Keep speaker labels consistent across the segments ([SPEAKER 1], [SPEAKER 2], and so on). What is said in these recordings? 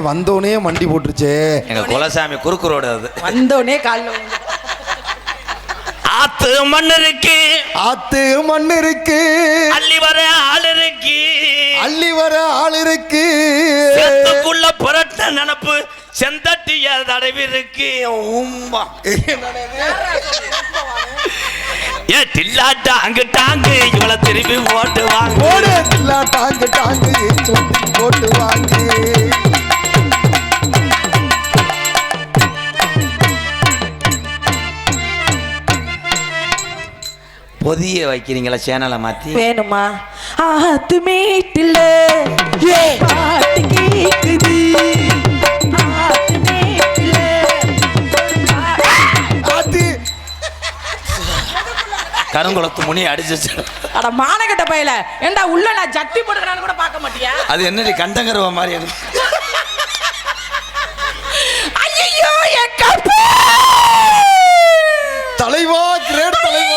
[SPEAKER 1] வந்தோடனே மண்டி போட்டுருச்சே.
[SPEAKER 2] எங்க குலசாமி குறுக்கு ரோடு அது.
[SPEAKER 3] வந்தோடனே காலில்
[SPEAKER 2] ஆத்து மண் இருக்கு,
[SPEAKER 1] ஆத்து மண் இருக்கு,
[SPEAKER 2] அள்ளி வர ஆள் இருக்கு,
[SPEAKER 1] அள்ளி வர ஆள் இருக்கு,
[SPEAKER 2] சேத்துக்குள்ள புரட்ட நினப்பு செந்தட்டிய தடவி இருக்கு. ஏ தில்லாட்டா அங்கு டாங்கு இவளை திரும்பி போட்டு வாங்க,
[SPEAKER 1] போடு தில்லாட்டாங்கு டாங்கு போட்டு வாங்க.
[SPEAKER 2] பொதிய வைக்கிறீங்களா சேனலை மாத்தி?
[SPEAKER 3] வேணுமா? ஆத்து மேட்டில் பாட்டு கேக்குது, ஆத்து மேட்டில்
[SPEAKER 1] ஆத்தி
[SPEAKER 2] கருங்குளத்து முனி அடிச்சு.
[SPEAKER 3] அட மானகட்ட பையல, ஏண்டா உள்ள நான் ஜட்டி போட்டுக்கிறான்னு கூட பார்க்க மாட்டியா?
[SPEAKER 2] அது என்னடி கண்டங்கருவ மாதிரி அது?
[SPEAKER 3] ஐயோ என் கப்பு
[SPEAKER 1] தலைவா, கிரேட் தலைவா.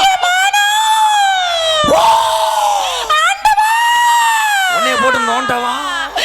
[SPEAKER 2] உன்னைய போட்டு நோண்டவா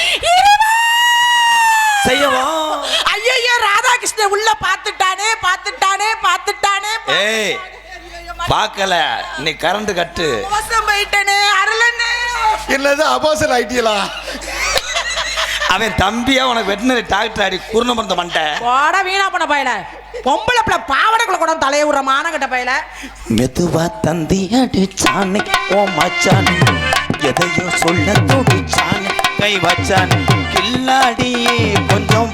[SPEAKER 2] செய்யவா?
[SPEAKER 3] ஐயோ ராதாகிருஷ்ணன் உள்ள பாத்துட்டானே பாத்துட்டானே பாத்துட்டானே.
[SPEAKER 2] ஏய் பார்க்கல, நீ கரண்ட் கட்டு.
[SPEAKER 3] மோசம் போயிட்டனே அருளனே.
[SPEAKER 1] என்னது அபாசல் ஐடியலா?
[SPEAKER 2] அவன் தம்பியா உனக்கு வெட்டினரி டாக்டர் அடி குருண மருந்த மண்டை.
[SPEAKER 3] போடா வீணா பண்ண பையல, பொம்பளை பிள்ளை பாவடைக்குள்ள கூட தலைய விடுற மானகட்ட பையல.
[SPEAKER 2] மெதுவா தந்தி அடிச்சானே ஓ மச்சான், எதையோ சொல்ல துடிச்சானே கை வச்சான் கில்லாடியே கொஞ்சம்.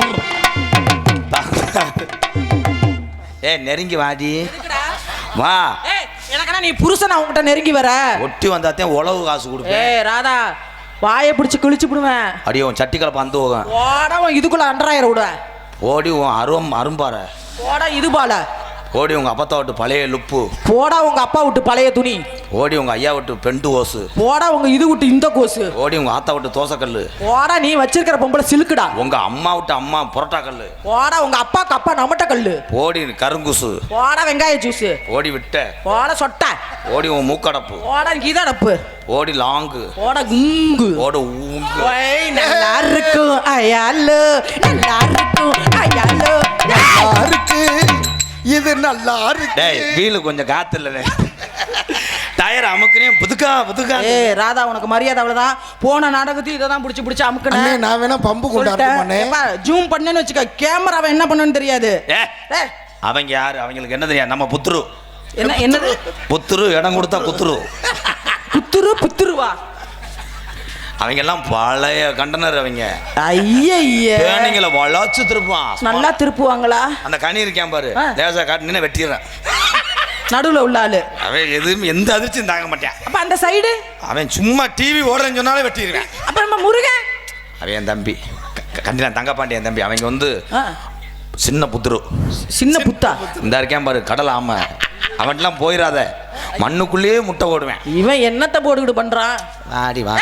[SPEAKER 2] ஏ நெருங்கி வாடி வா.
[SPEAKER 3] எனக்கா நீ புருஷன் அவங்ககிட்ட நெருங்கி வர?
[SPEAKER 2] ஒட்டி வந்தாத்தே உழவு காசு கொடுப்பேன்.
[SPEAKER 3] ஏய் ராதா, வாயை பிடிச்சி கிழிச்சு விடுவேன்.
[SPEAKER 2] அடியே உன் சட்டி கலப்ப அந்த போகும்.
[SPEAKER 3] போடா இதுக்குள்ள அண்டராயிரம் விட.
[SPEAKER 2] ஓடி உன் அரும்பார.
[SPEAKER 3] போடா இது பால.
[SPEAKER 2] ஓடி உங்க அப்பத்தா விட்டு பழைய லுப்பு.
[SPEAKER 3] போடா உங்க அப்பா விட்டு பழைய துணி.
[SPEAKER 2] ஓடி உங்க ஐயா விட்டு பெண்டு ஓசு.
[SPEAKER 3] போடா உங்க இது விட்டு இந்த கோசு.
[SPEAKER 2] ஓடி உங்க ஆத்தா விட்டு தோசைக்கல்லு.
[SPEAKER 3] போடா நீ வச்சிருக்கிற பொம்பளை சிலுக்குடா.
[SPEAKER 2] உங்க அம்மா விட்டு அம்மா புரோட்டா கல்லு.
[SPEAKER 3] போடா உங்க அப்பாக்கு அப்பா நமட்ட கல்லு.
[SPEAKER 2] ஓடி கருங்குசு.
[SPEAKER 3] போடா வெங்காய ஜூஸ்.
[SPEAKER 2] ஓடி விட்ட.
[SPEAKER 3] போடா சொட்ட.
[SPEAKER 2] ஓடி உன் மூக்கடப்பு.
[SPEAKER 3] போடா கீதடப்பு.
[SPEAKER 2] ஓடி லாங்கு.
[SPEAKER 3] போடா குங்கு.
[SPEAKER 2] ஓடு ஊங்கு.
[SPEAKER 3] ஓய் நல்லா இருக்கும் ஐயாலோ, நல்லா இருக்கும் ஐயாலோ,
[SPEAKER 1] நல்லா இருக்கு இது, நல்லா இருக்கு.
[SPEAKER 2] டேய் வீலு கொஞ்சம் காத்து இல்ல, டயர் அமுக்குனே புதுக்கா புதுக்கா.
[SPEAKER 3] ஏய் ராதா, உனக்கு மரியாதை அவ்வளவுதான். போன நாடகத்தையும் இதை தான் பிடிச்சி அமுக்குனே.
[SPEAKER 1] நான் வேணா பம்பு கொண்டாடுறேன்.
[SPEAKER 3] ஜூம் பண்ணேன்னு வச்சுக்க, கேமராவை என்ன பண்ணணும்னு தெரியாது.
[SPEAKER 2] அவங்க யாரு? அவங்களுக்கு என்ன தெரியாது? நம்ம புத்துரு.
[SPEAKER 3] என்னது
[SPEAKER 2] புத்துரு? இடம் கொடுத்தா குத்துரு.
[SPEAKER 3] புத்துரு புத்துருவா?
[SPEAKER 2] அவங்க எல்லாம் பழைய கண்டனர். அவங்க
[SPEAKER 3] ஐய
[SPEAKER 2] நீங்கள வளாச்சு திருப்பான்.
[SPEAKER 3] நல்லா திருப்புவாங்களா?
[SPEAKER 2] அந்த கனி இருக்கேன் பாரு, லேசா காட்டு வெட்டிடுறேன்.
[SPEAKER 3] நடுவுல உள்ள ஆளு
[SPEAKER 2] அவன் எதுவும் எந்த அதிர்ச்சியும் தாங்க மாட்டான்.
[SPEAKER 3] அப்ப அந்த சைடு
[SPEAKER 2] அவன் சும்மா டிவி ஓடுறேன்னு சொன்னாலே வெட்டிடுவேன்.
[SPEAKER 3] அப்ப நம்ம முருகன்
[SPEAKER 2] அவன் என் தம்பி கண்டிப்பா தங்கப்பாண்டி என் தம்பி. அவங்க வந்து சின்ன புத்துரு.
[SPEAKER 3] சின்ன புத்தா
[SPEAKER 2] இந்த இருக்கேன் பாரு கடல் ஆமை. அவன்லாம் போயிடாத, மண்ணுக்குள்ளேயே முட்டை போடுவேன்.
[SPEAKER 3] இவன் என்னத்தை போட்டுக்கிட்டு பண்றான்?
[SPEAKER 2] ஆடி வா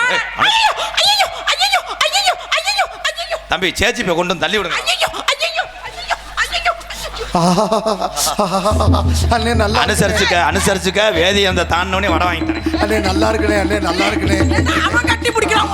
[SPEAKER 2] தம்பி, சேச்சி போய் கொண்டு வந்து தள்ளி விடுங்க.
[SPEAKER 1] அண்ணே நல்லா
[SPEAKER 2] அனுசரிச்சுக்க அனுசரிச்சுக்க. வேதி அந்த தாண்டவனே வட வாங்கிட்டேன்.
[SPEAKER 1] அண்ணே நல்லா இருக்குனே, அண்ணே நல்லா இருக்குனே.
[SPEAKER 3] அவன் கட்டி பிடிக்கிறான்.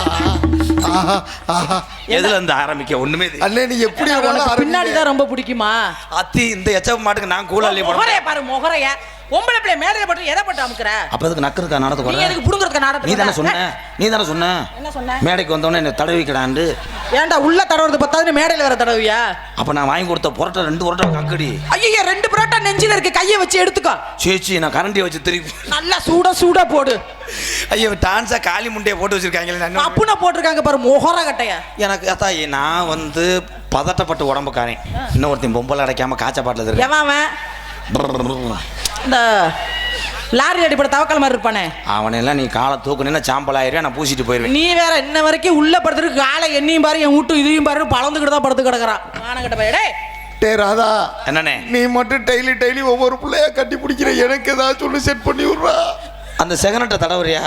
[SPEAKER 2] எதுல இருந்து ஆரம்பிக்க ஒண்ணுமே
[SPEAKER 1] அண்ணே நீ எப்படி
[SPEAKER 3] பின்னாடி தான் ரொம்ப பிடிக்குமா?
[SPEAKER 2] அத்தி இந்த எச்சப் மாட்டுக்கு நான் கூலாலி
[SPEAKER 3] முகரைய பாரு, முகரைய பொம்பளை பிள்ளை மேலே போட்டு எதை போட்டு அமுக்குற?
[SPEAKER 2] அப்ப அதுக்கு நக்கறதுக்கு நாடகத்துக்கு
[SPEAKER 3] நீ எதுக்கு புடுங்கிறதுக்கு நாடகத்துக்கு?
[SPEAKER 2] நீ தானே சொன்ன
[SPEAKER 3] என்ன சொன்ன?
[SPEAKER 2] மேடைக்கு வந்தவனே என்ன தடவிக்கடாண்டு.
[SPEAKER 3] ஏன்டா உள்ள தடவுறது பத்தாது மேடையில வேற தடவியா?
[SPEAKER 2] அப்ப நான் வாங்கி கொடுத்த புரோட்டா 2 புரோட்டா கக்கடி.
[SPEAKER 3] ஐயோ 2 புரோட்டா நெஞ்சில இருக்கு, கையை வச்சு எடுத்துக்கோ.
[SPEAKER 2] சேச்சி நான் கரண்டியை வச்சு திருப்பி
[SPEAKER 3] நல்லா சூடா போடு.
[SPEAKER 2] ஐயோ டான்ஸா காலி முண்டையை போட்டு வச்சிருக்காங்க.
[SPEAKER 3] அப்புனா போட்டிருக்காங்க பாரு முகர கட்டைய.
[SPEAKER 2] எனக்கு அத்தா நான் வந்து பதட்டப்பட்டு உடம்புக்காரன். இன்னொருத்தையும் பொம்பளை அடைக்காம காய்ச்ச பாட்டில் இருக்கு.
[SPEAKER 3] எவன் இந்த லாரி அடிப்பட தவக்கல் மாதிரி இருப்பானே
[SPEAKER 2] அவனெல்லாம் நீ காலை தூக்குனா சாம்பல் ஆயிரம். நான் பூசிட்டு போயிருவேன்.
[SPEAKER 3] நீ வேற இன்ன வரைக்கும் உள்ள படுத்துருக்கு காலை எண்ணியும் பாரு, என் வீட்டு இதையும் பாரு, பழந்துக்கிட்டு தான் படுத்து கிடக்குறான். மானகட்ட பையடே.
[SPEAKER 1] டே ராதா,
[SPEAKER 2] என்னண்ணே
[SPEAKER 1] நீ மட்டும் டெய்லி ஒவ்வொரு பிள்ளையா கட்டி பிடிக்கிற. எனக்கு ஏதாவது சொல்லி செட் பண்ணி விடுறா.
[SPEAKER 2] அந்த செகனட்டை தடவுறியா?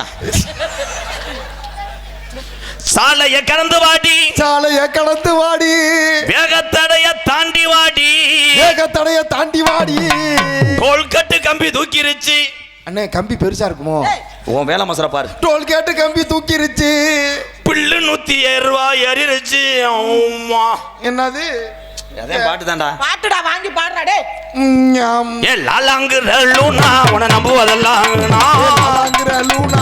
[SPEAKER 2] சாலைய கடந்து வாடி,
[SPEAKER 1] சாலைய கடந்து வாடி,
[SPEAKER 2] வேகத்தடைய தாண்டி வாடி,
[SPEAKER 1] வேகத்தடைய தாண்டி வாடி.
[SPEAKER 2] டோல்கட்டு கம்பி தூக்கிருச்சு.
[SPEAKER 1] அண்ணே கம்பி பெருசா இருக்குமோ?
[SPEAKER 2] உன் வேலை மசர பாரு.
[SPEAKER 1] டோல்கேட்டு கம்பி தூக்கிருச்சு.
[SPEAKER 2] பில்லு 107 ரூபாய் ஏறிடுச்சு அம்மா.
[SPEAKER 1] என்னது
[SPEAKER 2] அதே பாட்டு தான்டா.
[SPEAKER 3] பாட்டுடா வாங்கி பாடுறா டே.
[SPEAKER 1] ஞாம்.
[SPEAKER 2] ஏ லாலாங்கு லூனா உன நம்புவதெல்லாம்
[SPEAKER 1] லூனா